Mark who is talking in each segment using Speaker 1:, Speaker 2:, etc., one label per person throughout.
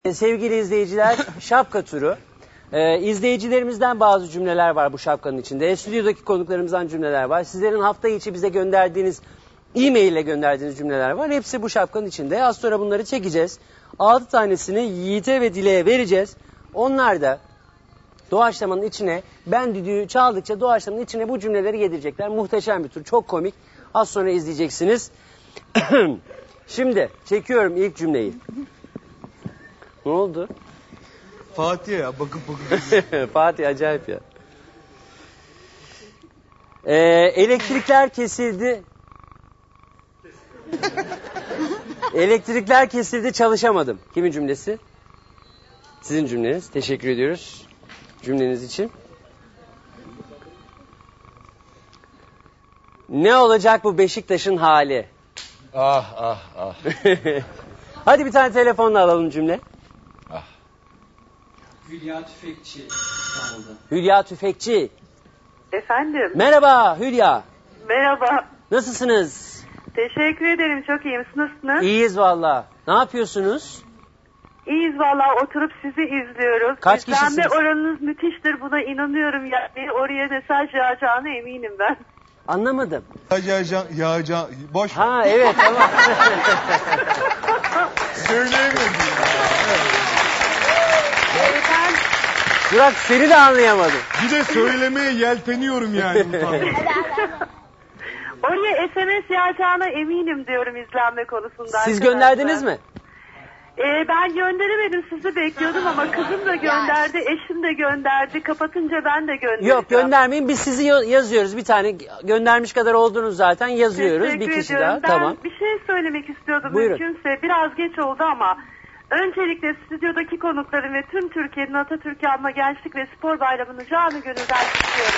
Speaker 1: Sevgili izleyiciler, şapka turu. İzleyicilerimizden bazı cümleler var bu şapkanın içinde. Stüdyodaki konuklarımızdan cümleler var. Sizlerin hafta içi bize gönderdiğiniz, e-mail ile gönderdiğiniz cümleler var. Hepsi bu şapkanın içinde. Az sonra bunları çekeceğiz. 6 tanesini Yiğit'e ve Dile'ye vereceğiz. Onlar da doğaçlamanın içine, ben düdüğü çaldıkça doğaçlamanın içine bu cümleleri yedirecekler. Muhteşem bir tur, çok komik. Az sonra izleyeceksiniz. Şimdi çekiyorum ilk cümleyi. Ne oldu?
Speaker 2: Fatih ya bakıp
Speaker 1: Fatih acayip ya. Elektrikler kesildi. Elektrikler kesildi, çalışamadım. Kimin cümlesi? Sizin cümleniz. Teşekkür ediyoruz cümleniz için. Ne olacak bu Beşiktaş'ın hali?
Speaker 2: Ah.
Speaker 1: Hadi bir tane telefonla alalım cümle.
Speaker 3: Hülya Tüfekçi İstanbul'da.
Speaker 1: Hülya Tüfekçi.
Speaker 4: Efendim.
Speaker 1: Merhaba Hülya.
Speaker 4: Merhaba.
Speaker 1: Nasılsınız?
Speaker 4: Teşekkür ederim. Çok iyiyim. Siz nasılsınız?
Speaker 1: İyiyiz valla. Ne yapıyorsunuz?
Speaker 4: İyiyiz valla. Oturup sizi izliyoruz.
Speaker 1: Kaç
Speaker 4: İzlenme
Speaker 1: kişisiniz?
Speaker 4: oranınız müthiştir. Buna inanıyorum. Yani oraya mesaj yağacağına eminim ben.
Speaker 1: Anlamadım.
Speaker 2: Yağacağım. Boş ver.
Speaker 1: Ha evet tamam.
Speaker 2: Söyleyemiyorum.
Speaker 4: Ben
Speaker 1: Burak seni de anlayamadım.
Speaker 2: Bir de söylemeye yelteniyorum yani.
Speaker 4: oraya SMS yağacağına eminim diyorum izlenme konusunda.
Speaker 1: Siz
Speaker 4: arkadaşlar.
Speaker 1: gönderdiniz mi?
Speaker 4: Ben gönderemedim. Sizi bekliyordum ama kızım da gönderdi. Eşim de gönderdi. Kapatınca ben de göndereceğim.
Speaker 1: Yok göndermeyin. Biz sizi yazıyoruz bir tane. Göndermiş kadar oldunuz zaten. Yazıyoruz.
Speaker 4: Teşekkür
Speaker 1: Bir kişi
Speaker 4: ediyorum.
Speaker 1: daha.
Speaker 4: Ben
Speaker 1: Tamam.
Speaker 4: bir şey söylemek istiyordum
Speaker 1: Buyurun.
Speaker 4: mümkünse. Biraz geç oldu ama öncelikle stüdyodaki konukların ve tüm Türkiye'nin Atatürk'ü anma Gençlik ve Spor Bayramı'nı canı gönülden kutluyorum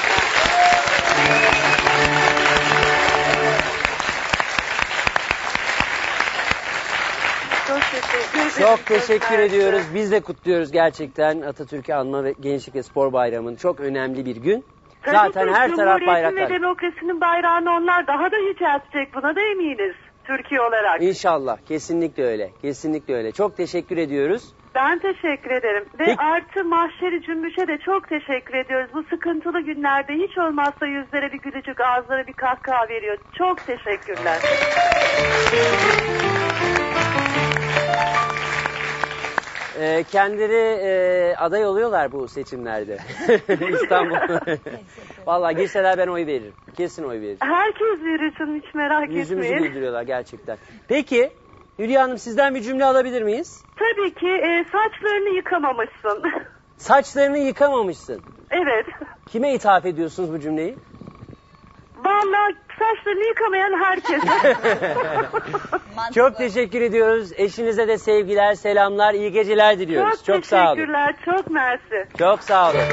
Speaker 1: Çok teşekkür ediyoruz. Biz de kutluyoruz gerçekten Atatürk'ü anma ve Gençlik ve Spor Bayramı'nı. Çok önemli bir gün. Zaten her taraf bayraklar.
Speaker 4: ve demokrasinin bayrağını onlar daha da yüceltecek. Buna da eminiz Türkiye olarak.
Speaker 1: İnşallah. Kesinlikle öyle. Kesinlikle öyle. Çok teşekkür ediyoruz.
Speaker 4: Ben teşekkür ederim. Ve
Speaker 1: Peki.
Speaker 4: artı Mahşeri Cümbüş'e de çok teşekkür ediyoruz. Bu sıkıntılı günlerde hiç olmazsa yüzlere bir gülücük, ağızlara bir kahkaha veriyor. Çok teşekkürler.
Speaker 1: Kendileri aday oluyorlar bu seçimlerde. İstanbul. Vallahi girseler ben oy veririm. Kesin oy veririm.
Speaker 4: Herkes verir canım, hiç merak
Speaker 1: Yüzümüzü
Speaker 4: etmeyin.
Speaker 1: güldürüyorlar gerçekten. Peki Hülya Hanım sizden bir cümle alabilir miyiz?
Speaker 4: Tabii ki saçlarını yıkamamışsın.
Speaker 1: Saçlarını yıkamamışsın.
Speaker 4: Evet.
Speaker 1: Kime ithaf ediyorsunuz bu cümleyi?
Speaker 4: Vallahi saçlarını yıkamayan herkese.
Speaker 1: Çok teşekkür ediyoruz. Eşinize de sevgiler, selamlar, iyi geceler diliyoruz. Çok sağ olun.
Speaker 4: teşekkürler, çok mersi.
Speaker 1: Çok sağ olun.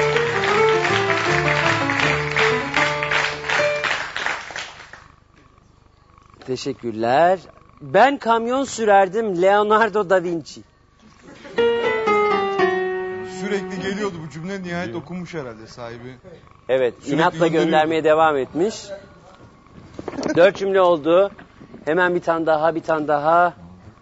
Speaker 1: Teşekkürler. Ben kamyon sürerdim Leonardo da Vinci.
Speaker 2: Sürekli geliyordu bu cümle, nihayet okunmuş herhalde sahibi.
Speaker 1: Evet,
Speaker 2: Sürekli
Speaker 1: inatla
Speaker 2: gönderiyor.
Speaker 1: göndermeye devam etmiş. 4 cümle oldu. Hemen bir tane daha, bir tane daha.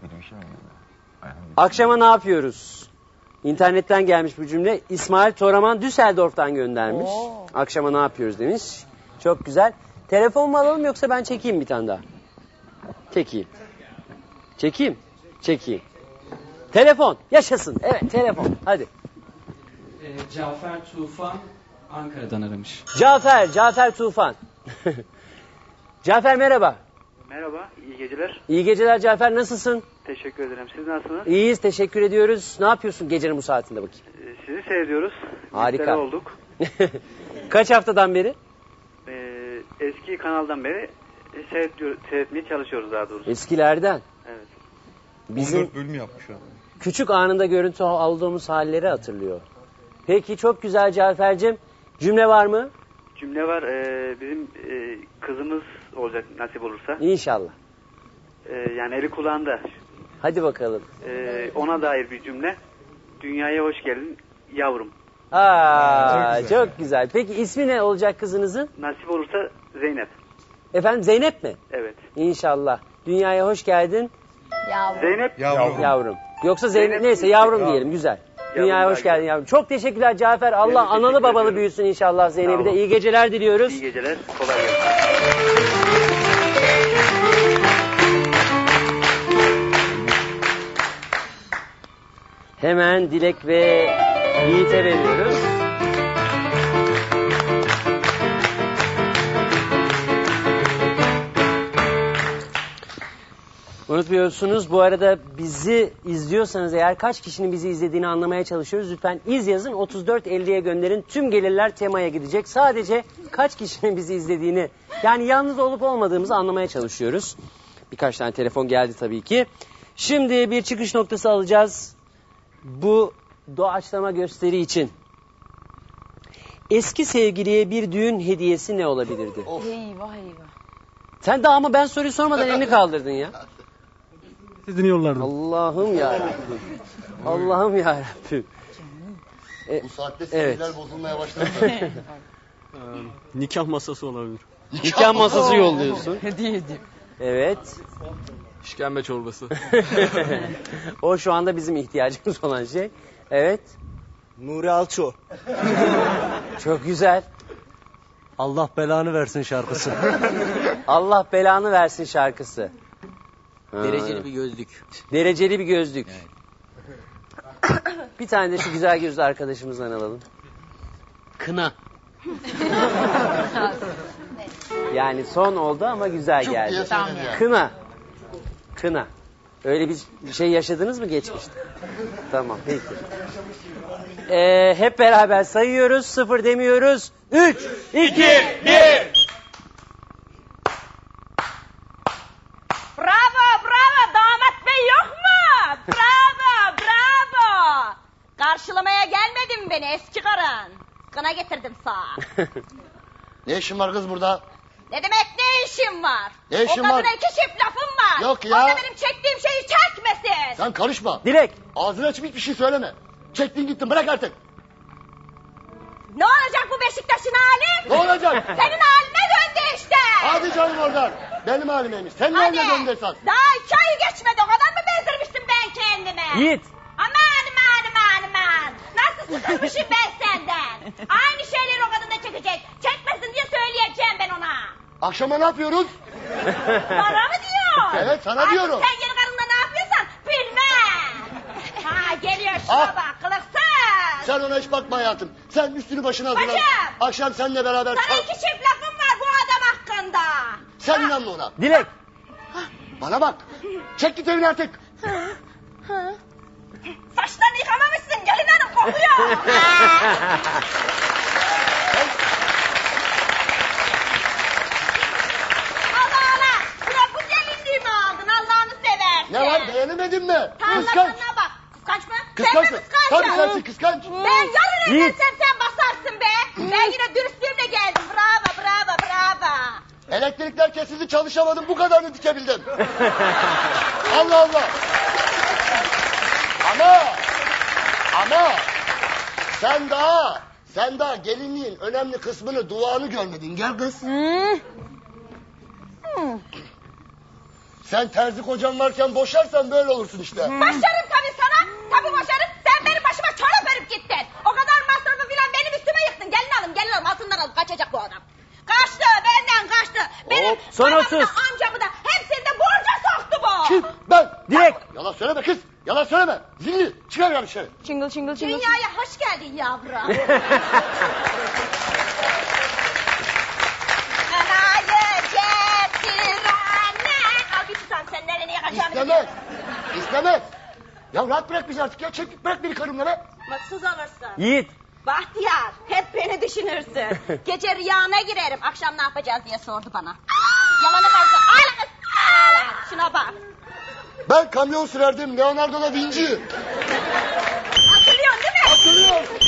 Speaker 1: Akşama ne yapıyoruz? İnternetten gelmiş bu cümle. İsmail Toraman Düsseldorf'tan göndermiş. Akşama ne yapıyoruz demiş. Çok güzel. Telefon mu alalım yoksa ben çekeyim bir tane daha? Çekeyim. Çekeyim. Telefon. Yaşasın. Evet, telefon. Hadi.
Speaker 3: Cafer Tufan Ankara'dan aramış.
Speaker 1: Cafer Tufan. Cafer merhaba.
Speaker 5: Merhaba, iyi geceler.
Speaker 1: İyi geceler Cafer, nasılsın?
Speaker 5: Teşekkür ederim. Siz nasılsınız?
Speaker 1: İyiyiz, teşekkür ediyoruz. Ne yapıyorsun gecenin bu saatinde bakayım?
Speaker 5: Sizi seyrediyoruz.
Speaker 1: Harika.
Speaker 5: Müşteri olduk.
Speaker 1: Kaç haftadan beri?
Speaker 5: Eski kanaldan beri seyretmeye çalışıyoruz daha doğrusu.
Speaker 1: Eskilerden.
Speaker 5: Evet.
Speaker 1: Bizim
Speaker 2: 14 bölüm yapmış abi.
Speaker 1: küçük anında görüntü aldığımız halleri hatırlıyor. Peki çok güzel Cafer'cim. Cümle var mı?
Speaker 5: Cümle var. Bizim kızımız olacak nasip olursa.
Speaker 1: İnşallah.
Speaker 5: Yani eli kulağında.
Speaker 1: Hadi bakalım.
Speaker 5: Ona dair bir cümle. Dünyaya hoş geldin yavrum.
Speaker 1: Çok güzel. Peki ismi ne olacak kızınızın?
Speaker 5: Nasip olursa Zeynep.
Speaker 1: Efendim Zeynep mi?
Speaker 5: Evet.
Speaker 1: İnşallah. Dünyaya hoş geldin
Speaker 5: Zeynep.
Speaker 2: Yavrum.
Speaker 1: yavrum. Yoksa Zeynep, neyse yavrum diyelim, güzel. Dünyaya hoş geldin yavrum. Çok teşekkürler Cafer. Allah
Speaker 5: teşekkür
Speaker 1: analı babalı
Speaker 5: ediyorum.
Speaker 1: büyüsün inşallah Zeynep'i de.
Speaker 5: Sağ olun.
Speaker 1: İyi geceler diliyoruz.
Speaker 5: İyi geceler. Kolay gelsin.
Speaker 1: Hemen Dilek ve Yiğit'e veriyoruz. Unutmuyorsunuz, bu arada bizi izliyorsanız eğer kaç kişinin bizi izlediğini anlamaya çalışıyoruz. Lütfen iz yazın, 3450'ye gönderin. Tüm gelirler temaya gidecek. Sadece kaç kişinin bizi izlediğini, yani yalnız olup olmadığımızı anlamaya çalışıyoruz. Birkaç tane telefon geldi tabii ki. Şimdi bir çıkış noktası alacağız. Bu doğaçlama gösteri için. Eski sevgiliye bir düğün hediyesi ne olabilirdi?
Speaker 6: Eyvah eyvah.
Speaker 1: Sen daha ama ben soruyu sormadan elini kaldırdın ya.
Speaker 7: Siz dinliyorlardı.
Speaker 1: Allah'ım yarabbim. Allah'ım yarabbim.
Speaker 8: Bu saatte
Speaker 1: Evet.
Speaker 8: sinirler bozulmaya başladı.
Speaker 7: Nikah masası olabilir.
Speaker 1: Nikah masası yolluyorsun.
Speaker 6: Hediye edeyim.
Speaker 1: Evet.
Speaker 7: İşkembe çorbası.
Speaker 1: O şu anda bizim ihtiyacımız olan şey. Evet.
Speaker 9: Nuri Alço.
Speaker 1: Çok güzel.
Speaker 9: Allah belanı versin şarkısı.
Speaker 1: Allah belanı versin şarkısı.
Speaker 9: Dereceli bir gözlük.
Speaker 1: Dereceli bir gözlük. Bir tane de şu güzel gözlü arkadaşımızdan alalım.
Speaker 9: Kına.
Speaker 1: Yani son oldu ama güzel
Speaker 8: Çok diye
Speaker 1: geldi.
Speaker 8: söyledi yani.
Speaker 1: Kına. Kına. Öyle bir şey yaşadınız mı geçmişte? Tamam, peki. Hep beraber sayıyoruz, 0 demiyoruz. 3, 2, 1.
Speaker 6: Bravo bravo damat bey yok mu? Bravo bravo. Karşılamaya gelmedin beni eski karın. Kına getirdim sana.
Speaker 8: Ne işin var kız burada?
Speaker 6: Ne demek ne işin var?
Speaker 8: Ne işin
Speaker 6: o kadına
Speaker 8: var?
Speaker 6: 2 çift lafım var.
Speaker 8: Yok ya.
Speaker 6: O da benim çektiğim şeyi çekmesin.
Speaker 8: Sen karışma.
Speaker 1: Dilek.
Speaker 8: Ağzını açıp hiçbir şey söyleme. Çektin gittin, bırak artık.
Speaker 6: Ne olacak bu Beşiktaş'ın hali?
Speaker 8: Ne olacak?
Speaker 6: Senin haline döndü işte.
Speaker 8: Hadi canım oradan. Benim halimeymiş. Senin
Speaker 6: Hadi.
Speaker 8: haline döndü esas.
Speaker 6: Daha 2 ay geçmedi o kadar mı bezdirmiştim ben kendime?
Speaker 1: Yiğit.
Speaker 6: Aman. Nasıl sıkılmışım ben senden. Aynı şeyleri o kadın da çekecek. Çekmesin diye söyleyeceğim ben ona.
Speaker 8: Akşama ne yapıyoruz?
Speaker 6: Bana mı diyor?
Speaker 8: Evet, sana
Speaker 6: Artık
Speaker 8: diyorum.
Speaker 6: sen yeni karınla ne yapıyorsan bilmem. Ha geliyor şuna
Speaker 8: Ah.
Speaker 6: bak kılıksız.
Speaker 8: Sen ona hiç bakma hayatım. Sen üstünü başına hazırlan.
Speaker 6: Bacım.
Speaker 8: Akşam seninle beraber...
Speaker 6: Sana 2 çift lafım var bu adam hakkında.
Speaker 8: Sen inanma ona.
Speaker 1: Dilek.
Speaker 8: Bana bak. Çek git evine artık.
Speaker 6: Saçlarını yıkamamışsın gelin hanım kokuyor. Allah. Bırak bu gelinliğimi aldın Allah'ını seversin.
Speaker 8: Ne var, beğenemedin mi? Kıskanç.
Speaker 6: Tarlalarına bak. Kıskanç mı?
Speaker 8: Kıskanç
Speaker 6: Sen
Speaker 8: mı?
Speaker 6: mi kıskançsın?
Speaker 8: Tabii sensin kıskanç.
Speaker 6: Ben yarın
Speaker 1: Yiğit.
Speaker 6: evlensem sen basarsın be. Ben yine dürüstlüğümle geldim. Bravo.
Speaker 8: Elektrikler kesildi, çalışamadım, bu kadarını dikebildim. Allah Allah. Ama sen daha gelinliğin önemli kısmını, duanı görmedin. Gel kız. Sen terzi kocan varken boşarsan böyle olursun işte.
Speaker 6: Başlarım tabii sana. Tabii boşarım. Sen benim başıma çorap örüp gittin. O kadar masrafı filan benim üstüme yıktın. Gelin alın altından alıp kaçacak bu adam. Kaçtı benden kaçtı. Benim
Speaker 1: Hop, son
Speaker 6: babamı
Speaker 1: 30.
Speaker 6: da amcamı da hepsini de borca soktu bu.
Speaker 8: Kim? Ben.
Speaker 1: Dilek.
Speaker 8: Yalan söyleme kız. Yalan söyleme. Zilli. Çıkar ya dışarı.
Speaker 6: Dünyaya hoş geldin yavrum. Anayı getir anne. Al bir tutam sen nereye yakacağını
Speaker 8: İstemez. Ya rahat bırak bizi artık ya. Çek git, bırak beni karımla be.
Speaker 6: Mutsuz olursun.
Speaker 1: Yiğit.
Speaker 6: Bahtiyar hep beni düşünürsün. Gece rüyana girerim. Akşam ne yapacağız diye sordu bana. Yalanı versin. Ağla kız. Ağla. Şuna bak.
Speaker 8: Ben kamyon sürerdim. Leonardo da Vinci.
Speaker 6: Hatırlıyorsun değil mi?
Speaker 8: Hatırlıyorum.